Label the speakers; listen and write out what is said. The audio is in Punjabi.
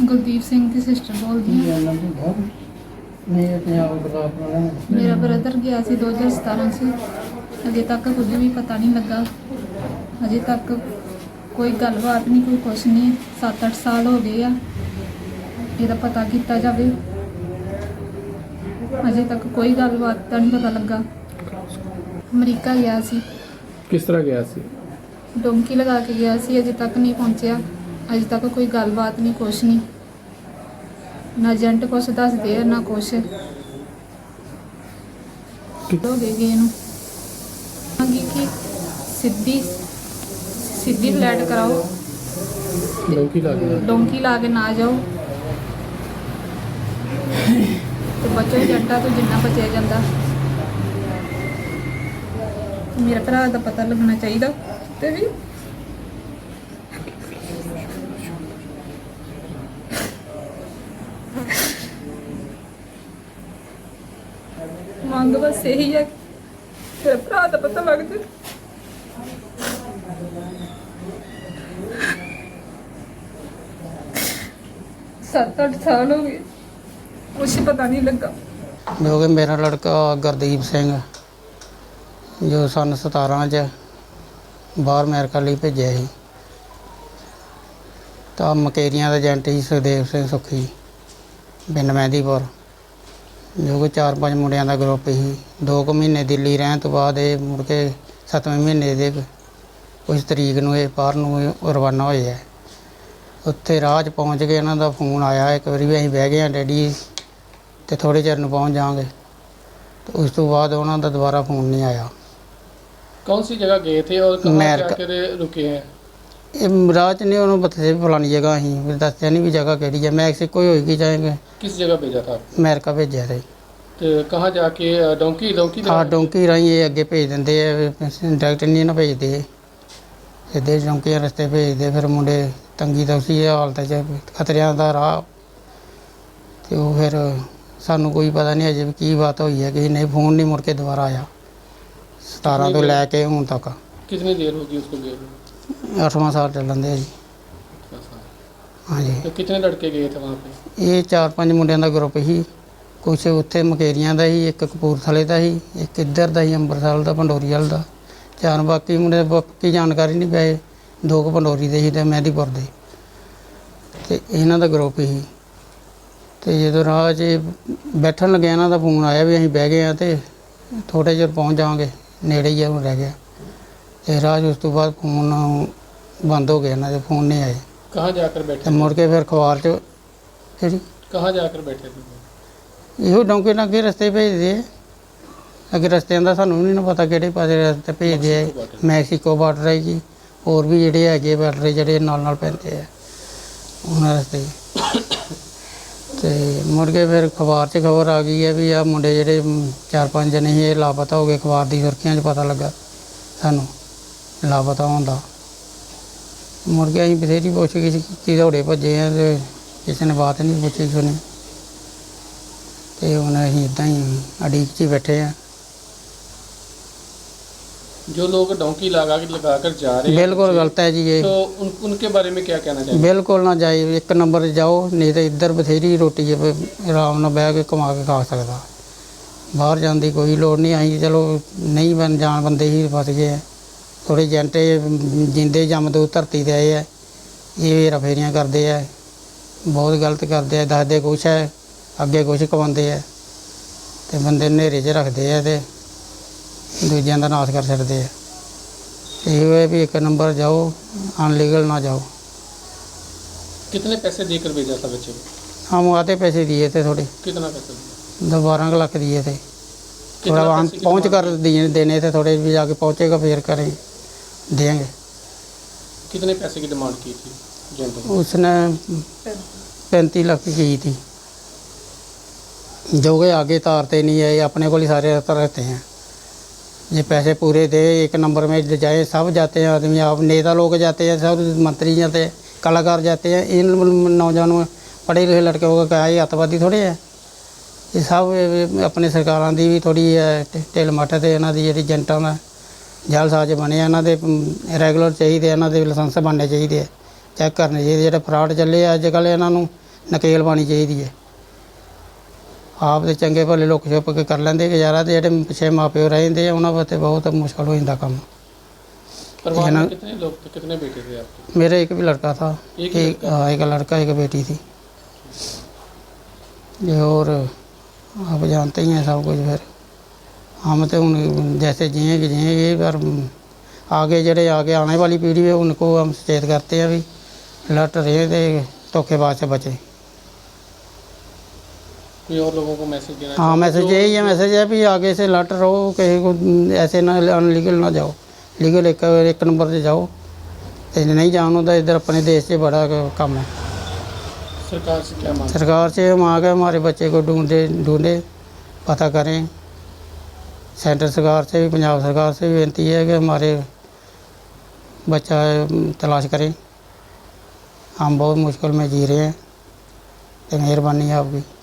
Speaker 1: ਗੁਰਦੀਪ ਸਿੰਘ ਦੀ ਸਿਸਟਰ ਬੋਲਦੀ ਹਾਂ। ਮੇਰਾ ਬ੍ਰਦਰ ਗਿਆ ਸੀ 2017 'ਚ। ਅਜੇ ਤੱਕ ਕੁਝ ਵੀ ਪਤਾ ਨਹੀਂ ਲੱਗਾ। ਅਜੇ ਤੱਕ ਕੋਈ ਗੱਲਬਾਤ ਨਹੀਂ, ਕੋਈ ਕੁਛ ਨਹੀਂ। 7-8 ਸਾਲ ਹੋ ਗਏ ਆ। ਇਹਦਾ ਪਤਾ ਕੀਤਾ ਜਾਵੇ। ਅਜੇ ਤੱਕ ਕੋਈ ਗੱਲਬਾਤ ਦਾ ਨਹੀਂ ਪਤਾ ਲੱਗਾ। ਅਮਰੀਕਾ ਗਿਆ ਸੀ।
Speaker 2: ਕਿਸ ਤਰ੍ਹਾਂ ਗਿਆ ਸੀ?
Speaker 1: ਡੋਂਕੀ ਲਗਾ ਕੇ ਗਿਆ ਸੀ। ਅਜੇ ਤੱਕ ਨਹੀਂ ਪਹੁੰਚਿਆ। ਅਜੇ ਤੱਕ ਕੋਈ ਗੱਲਬਾਤ ਨਹੀਂ, ਕੁਛ ਨਹੀਂ। ਨਾ ਏਜੰਟ ਕੁਛ ਦੱਸਦੇ ਆ ਨਾ ਕੁਛ ਹੋ ਗਏ ਇਹਨੂੰ। ਮੰਗੀ ਕਿ ਸਿੱਧੀ ਫਲੈਟ ਕਰਾਓ, ਡੋਂਕੀ ਲਾ ਕੇ ਨਾ ਜਾਓ ਤੇ ਬਚੋ ਏਜੰਟਾਂ ਤੋਂ ਜਿੰਨਾ ਬਚਿਆ ਜਾਂਦਾ। ਮੇਰੇ ਭਰਾ ਦਾ ਪਤਾ ਲੱਗਣਾ ਚਾਹੀਦਾ ਤੇ ਵੀ ਮੰਗ ਬਸ ਇਹੀ ਹੈ ਕਿ ਮੇਰੇ ਭਰਾ ਦਾ ਪਤਾ ਲੱਗ ਜਾਏ। ਸੱਤ 8 ਸਾਲ ਹੋ ਗਏ, ਕੁਛ ਪਤਾ ਨਹੀਂ ਲੱਗਾ।
Speaker 3: ਜੋ ਕਿ ਮੇਰਾ ਲੜਕਾ ਗੁਰਦੀਪ ਸਿੰਘ ਜੋ ਸੰਨ 17 'ਚ ਬਾਹਰ ਅਮਰੀਕਾ ਲਈ ਭੇਜਿਆ ਸੀ, ਤਾਂ ਮਕੇਰੀਆਂ ਦਾ ਏਜੰਟ ਸੀ ਸੁਖਦੇਵ ਸਿੰਘ ਸੁੱਖੀ ਪਿੰਡ ਮਹਿੰਦੀਪੁਰ, ਜੋ ਕਿ 4-5 ਮੁੰਡਿਆਂ ਦਾ ਗਰੁੱਪ ਸੀ। 2 ਕੁ ਮਹੀਨੇ ਦਿੱਲੀ ਰਹਿਣ ਤੋਂ ਬਾਅਦ ਇਹ ਮੁੜ ਕੇ 7ਵੇਂ ਮਹੀਨੇ ਦੇ ਕੁਛ ਤਰੀਕ ਨੂੰ ਇਹ ਬਾਹਰ ਨੂੰ ਰਵਾਨਾ ਹੋਏ ਹੈ। ਉੱਥੇ ਰਾਹ 'ਚ ਪਹੁੰਚ ਕੇ ਇਹਨਾਂ ਦਾ ਫੋਨ ਆਇਆ ਇੱਕ ਵਾਰੀ ਵੀ ਅਸੀਂ ਬਹਿ ਗਏ ਹਾਂ ਡੈਡੀ ਤੇ ਥੋੜ੍ਹੇ ਚਿਰ ਨੂੰ ਪਹੁੰਚ ਜਾਵਾਂਗੇ। ਤੇ ਉਸ ਤੋਂ ਬਾਅਦ ਉਹਨਾਂ ਦਾ ਦੁਬਾਰਾ ਫੋਨ ਨਹੀਂ ਆਇਆ।
Speaker 2: कौन सी जगह गए थे और कहाँ जाकर रुके हैं?
Speaker 3: ਇਹ ਰਾਹ 'ਚ ਨਹੀਂ ਉਹਨੂੰ ਬਥੇ ਫਲਾਣੀ ਜਗ੍ਹਾ ਅਸੀਂ ਦੱਸਿਆ ਨਹੀਂ ਵੀ ਜਗ੍ਹਾ ਕਿਹੜੀ ਹੈ। ਮੈਕਸੀਕੋ ਹੀ ਹੋਏਗੀ ਜਾਏਂਗੇ।
Speaker 2: किस जगह भेजा था?
Speaker 3: ਅਮਰੀਕਾ ਭੇਜਿਆ ਸੀ।
Speaker 2: तो कहाँ जाके डोंकी
Speaker 3: ਹਾਂ ਡੋਂਕੀ ਰਾਹੀਂ ਇਹ ਅੱਗੇ ਭੇਜ ਦਿੰਦੇ ਆ, ਡਾਇਰੈਕਟ ਨਹੀਂ ਨਾ ਭੇਜਦੇ, ਸਿੱਧੇ ਡੋਂਕੀਆਂ ਰਸਤੇ ਭੇਜਦੇ। ਫਿਰ ਮੁੰਡੇ ਤੰਗੀ ਤੌਸੀ ਹਾਲਤ 'ਚ, ਖਤਰਿਆਂ ਦਾ ਰਾਹ। ਤੇ ਉਹ ਫਿਰ ਸਾਨੂੰ ਕੋਈ ਪਤਾ ਨਹੀਂ ਅਜੇ ਵੀ ਕੀ ਬਾਤ ਹੋਈ ਹੈ ਕਿ ਨਹੀਂ। ਫੋਨ ਨਹੀਂ ਮੁੜ ਕੇ ਦੁਬਾਰਾ ਆਇਆ 17 ਤੋਂ ਲੈ ਕੇ ਹੁਣ ਤੱਕ।
Speaker 2: कितनी देर होगी उसको गए हुए?
Speaker 3: 8ਵਾਂ ਸਾਲ ਚੱਲਣ ਦੇ ਜੀ। ਹਾਂਜੀ।
Speaker 2: तो कितने लड़के गए थे वहाँ पे?
Speaker 3: ਇਹ 4-5 ਮੁੰਡਿਆਂ ਦਾ ਗਰੁੱਪ ਸੀ। ਕੁਛ ਉੱਥੇ ਮਕੇਰੀਆਂ ਦਾ ਸੀ, ਇੱਕ ਕਪੂਰਥਲੇ ਦਾ ਸੀ, ਇੱਕ ਇੱਧਰ ਦਾ ਸੀ ਅੰਮ੍ਰਿਤਸਰ ਦਾ, ਪੰਡੋਰੀ ਵਾਲ ਦਾ। 4 ਬਾਕੀ ਮੁੰਡੇ ਬਾਕੀ ਜਾਣਕਾਰੀ ਨਹੀਂ ਪਏ। 2 ਕੁ ਪੰਡੋਰੀ ਦੇ ਸੀ ਤੇ ਮਹਿੰਦੀਪੁਰ ਦੇ। ਤੇ ਇਹਨਾਂ ਦਾ ਗਰੁੱਪ ਸੀ। ਤੇ ਜਦੋਂ ਰਾਹ 'ਚ ਬੈਠਣ ਲੱਗਿਆ ਇਹਨਾਂ ਦਾ ਫੋਨ ਆਇਆ ਵੀ ਅਸੀਂ ਬਹਿ ਗਏ ਹਾਂ ਤੇ ਥੋੜ੍ਹੇ ਚਿਰ ਪਹੁੰਚ ਜਾਵਾਂਗੇ, ਨੇੜੇ ਹੀ ਹੁਣ ਰਹਿ ਗਿਆ। ਤੇ ਰਾਹ 'ਚ ਉਸ ਤੋਂ ਬਾਅਦ ਫੋਨ ਬੰਦ ਹੋ ਗਿਆ, ਇਹਨਾਂ ਦੇ ਫੋਨ ਨਹੀਂ ਆਏ।
Speaker 2: कहाँ जाकर बैठे
Speaker 3: ਤੇ ਮੁੜ ਕੇ ਫਿਰ ਅਖਬਾਰ 'ਚ ਜਿਹੜੀ
Speaker 2: कहाँ जाकर बैठे थे?
Speaker 3: ਇਹੋ ਡੌਂਕੇ ਨਾਲ ਅੱਗੇ ਰਸਤੇ ਭੇਜਦੇ ਆ। ਅੱਗੇ ਰਸਤਿਆਂ ਦਾ ਸਾਨੂੰ ਨਹੀਂ ਨਾ ਪਤਾ ਕਿਹੜੇ ਪਾਸੇ ਰਸਤੇ ਭੇਜਦੇ ਆ। ਮੈਕਸੀਕੋ ਬਾਰਡਰ ਹੈ ਜੀ, ਹੋਰ ਵੀ ਜਿਹੜੇ ਹੈਗੇ ਬਾਰਡਰ ਜਿਹੜੇ ਨਾਲ ਪੈਂਦੇ ਆ ਉਹਨਾਂ ਰਸਤੇ। ਤੇ ਮੁੜ ਕੇ ਫਿਰ ਅਖਬਾਰ 'ਚ ਖਬਰ ਆ ਗਈ ਹੈ ਵੀ ਆਹ ਮੁੰਡੇ ਜਿਹੜੇ 4-5 ਜਣੇ ਸੀ ਇਹ ਲਾਪਤਾ ਹੋ ਗਏ। ਅਖਬਾਰ ਦੀ ਸੁਰਖੀਆਂ 'ਚ ਪਤਾ ਲੱਗਾ ਸਾਨੂੰ ਲਾਪਤਾ ਹੋਣ ਦਾ। ਮੁੜ ਕੇ ਅਸੀਂ ਬਥੇਰੀ ਪੁੱਛ-ਗਿੱਛ ਕੀਤੀ, ਦੌੜੇ ਭੱਜੇ ਆ ਤੇ ਕਿਸੇ ਨੇ ਬਾਤ ਨਹੀਂ ਪੁੱਛੀ ਸੁਣੀ। ਤੇ ਹੁਣ ਅਸੀਂ ਇੱਦਾਂ ਹੀ ਉਡੀਕ 'ਚ ਹੀ ਬੈਠੇ ਆ।
Speaker 2: जो लोग डोंकी लगाकर जा रहे हैं
Speaker 3: ਬਿਲਕੁਲ ਗਲਤ ਹੈ ਜੀ ਇਹ।
Speaker 2: तो उनके बारे में क्या कहना चाहिए?
Speaker 3: ਬਿਲਕੁਲ ਨਾ ਜਾਏ। 1 ਨੰਬਰ 'ਤੇ ਜਾਓ, ਨਹੀਂ ਤਾਂ ਇੱਧਰ ਬਥੇਰੀ ਰੋਟੀ ਹੈ, ਆਰਾਮ ਨਾਲ ਬਹਿ ਕੇ ਕਮਾ ਕੇ ਖਾ ਸਕਦਾ। ਬਾਹਰ ਜਾਣ ਦੀ ਕੋਈ ਲੋੜ ਨਹੀਂ। ਅਸੀਂ ਚਲੋ ਨਹੀਂ ਜਾਣ ਬੰਦੇ ਹੀ ਫਸ ਗਏ ਆ। ਥੋੜ੍ਹੇ ਏਜੰਟ ਜਿੰਦੇ ਜੰਮਦੂਤ ਧਰਤੀ 'ਤੇ ਆਏ ਆ, ਇਹ ਹੇਰਾ ਫੇਰੀਆਂ ਕਰਦੇ ਆ, ਬਹੁਤ ਗਲਤ ਕਰਦੇ ਆ। ਦੱਸਦੇ ਕੁਛ ਹੈ, ਅੱਗੇ ਕੁਛ ਕਮਾਉਂਦੇ ਆ ਤੇ ਬੰਦੇ ਹਨੇਰੇ 'ਚ ਰੱਖਦੇ ਆ ਤੇ ਦੂਜਿਆਂ ਦਾ ਨਾਸ਼ ਕਰ ਛੱਡਦੇ ਆ। ਇਹ ਹੈ ਵੀ 1 ਨੰਬਰ ਜਾਓ, ਅਨਲੀਗਲ ਨਾ ਜਾਓ।
Speaker 2: कितने पैसे देकर भेजा था बच्चे को?
Speaker 3: हम आते पैसे दिए थे थोड़े,
Speaker 2: कितना पैसा दिया?
Speaker 3: 12 लाख दिए थे।
Speaker 2: कितना
Speaker 3: थोड़ा वहाँ
Speaker 2: पैसे की
Speaker 3: पहुँच कर
Speaker 2: डिमांड?
Speaker 3: देने थे थोड़े, भी जाके पहुँचेगा फिर करें देंगे।
Speaker 2: कितने पैसे की डिमांड की थी एजेंट ने?
Speaker 3: उसने 35 लाख की थी, जो कि आगे तारते नहीं है, अपने को ही सारे रहते हैं। ये पैसे पूरे दे 1 नंबर में जाए, सब जाते हैं आदमी, आप नेता लोग जाते हैं, सब मंत्री जाते हैं, कलाकार जाते हैं। इन नौजवानों पढ़े लिखे लड़के को क्या ये अतवादी थोड़े है। ये सब अपने सरकारों की भी थोड़ी ढिल मੱਠ ਤੇ ਇਹਨਾਂ ਦੀ ਜਿਹੜੀ ਏਜੰਟਾਂ ਦਾ ਜਾਲਸਾਜ਼ ਬਣੇ ਇਹਨਾਂ ਦੇ ਰੈਗੂਲਰ ਚਾਹੀਦੇ, ਇਹਨਾਂ ਦੇ ਲਾਇਸੈਂਸ ਬਣਨੇ ਚਾਹੀਦੇ, ਚੈੱਕ ਕਰਨੇ ਚਾਹੀਦੇ। ਜਿਹੜੇ ਫਰਾਡ ਚੱਲੇ ਅੱਜ ਕੱਲ੍ਹ ਇਹਨਾਂ ਨੂੰ ਨਕੇਲ ਪਾਣੀ ਚਾਹੀਦੀ ਹੈ। ਆਪ ਦੇ ਚੰਗੇ ਭਲੇ ਲੁੱਕ ਛੁਪ ਕੇ ਕਰ ਲੈਂਦੇ ਗੁਜ਼ਾਰਾ, ਤੇ ਜਿਹੜੇ ਪਿੱਛੇ ਮਾਪਿਓ ਰਹਿੰਦੇ ਆ ਉਹਨਾਂ ਵਾਸਤੇ ਬਹੁਤ ਮੁਸ਼ਕਲ ਹੋ ਜਾਂਦਾ ਕੰਮ।
Speaker 2: परिवार में कितने लोग थे, कितने बेटे थे आपके?
Speaker 3: मेरे एक भी लड़का था,
Speaker 2: एक ही लड़का?
Speaker 3: हाँ एक लड़का एक बेटी थी। ये और आप जानते ही हैं सब कुछ। फिर हम तो उन जैसे जिएंगे पर आगे जड़े आगे आने वाली पीढ़ी है उनको हम सचेत करते हैं भी लट रहे थे धोखेबाज से बचे।
Speaker 2: कोई और लोगों को मैसेज देना?
Speaker 3: हाँ मैसेज यही है, मैसेज है भी आगे से लट रहो, कहीं को ऐसे ना अनलीगल ना जाओ, लीगल एक नंबर से जाओ। तो नहीं जाना तो इधर अपने देश से बड़ा काम है।
Speaker 2: सरकार से क्या मांग?
Speaker 3: सरकार से मांग है हमारे बच्चे को ढूंढे पता करें। सेंट्रल सरकार से भी पंजाब सरकार से भी विनती है कि हमारे बच्चा तलाश करें। हम बहुत मुश्किल में जी रहे हैं, तो मेहरबानी है आपकी।